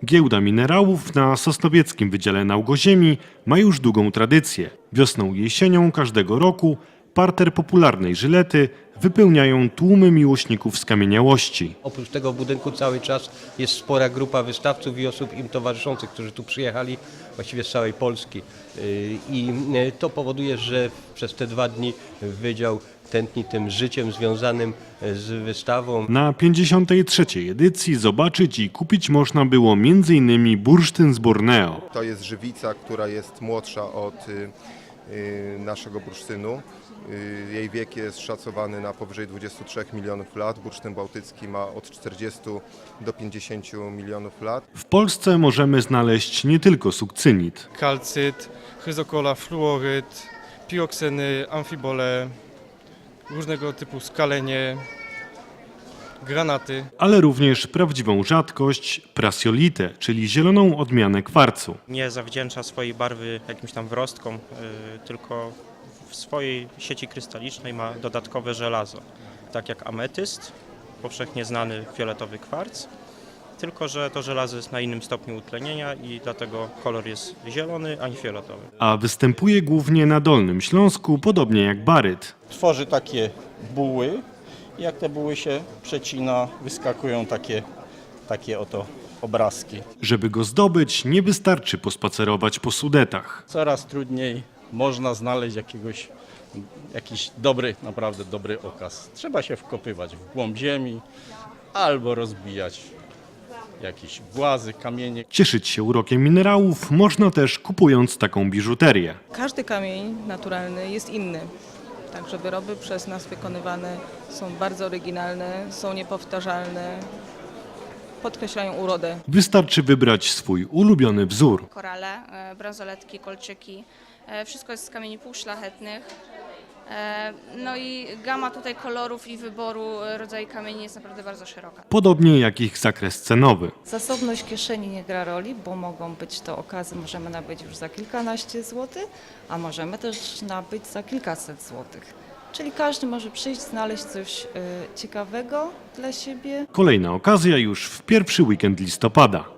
Giełda minerałów na Sosnowieckim Wydziale Nauk-Ziemi ma już długą tradycję. Wiosną i jesienią każdego roku parter popularnej Żylety wypełniają tłumy miłośników skamieniałości. Oprócz tego w budynku cały czas jest spora grupa wystawców i osób im towarzyszących, którzy tu przyjechali właściwie z całej Polski. I to powoduje, że przez te 2 dni wydział tętni tym życiem związanym z wystawą. Na 53. edycji zobaczyć i kupić można było m.in. bursztyn z Borneo. To jest żywica, która jest młodsza od naszego bursztynu. Jej wiek jest szacowany na powyżej 23 milionów lat. Bursztyn bałtycki ma od 40 do 50 milionów lat. W Polsce możemy znaleźć nie tylko sukcynit, Kalcyt, chryzokola, fluoryd, pirokseny, amfibole, różnego typu skalenie, granaty. ale również prawdziwą rzadkość prasiolitę, czyli zieloną odmianę kwarcu. Nie zawdzięcza swojej barwy jakimś tam wrostkom, tylko w swojej sieci krystalicznej ma dodatkowe żelazo. Tak jak ametyst, powszechnie znany fioletowy kwarc, tylko że to żelazo jest na innym stopniu utlenienia i dlatego kolor jest zielony, a nie fioletowy. A występuje głównie na Dolnym Śląsku, podobnie jak baryt. Tworzy takie buły. Jak te buły się przecina, wyskakują takie oto obrazki. Żeby go zdobyć, nie wystarczy pospacerować po Sudetach. Coraz trudniej można znaleźć jakiś dobry, naprawdę dobry okaz. Trzeba się wkopywać w głąb ziemi albo rozbijać jakieś głazy, kamienie. Cieszyć się urokiem minerałów można też kupując taką biżuterię. Każdy kamień naturalny jest inny. Także wyroby przez nas wykonywane są bardzo oryginalne, są niepowtarzalne, podkreślają urodę. Wystarczy wybrać swój ulubiony wzór. Korale, bransoletki, kolczyki, wszystko jest z kamieni półszlachetnych. No i gama tutaj kolorów i wyboru rodzaju kamieni jest naprawdę bardzo szeroka. Podobnie jak ich zakres cenowy. Zasobność kieszeni nie gra roli, bo mogą być to okazy, możemy nabyć już za kilkanaście złotych, a możemy też nabyć za kilkaset złotych. Czyli każdy może przyjść, znaleźć coś ciekawego dla siebie. Kolejna okazja już w pierwszy weekend listopada.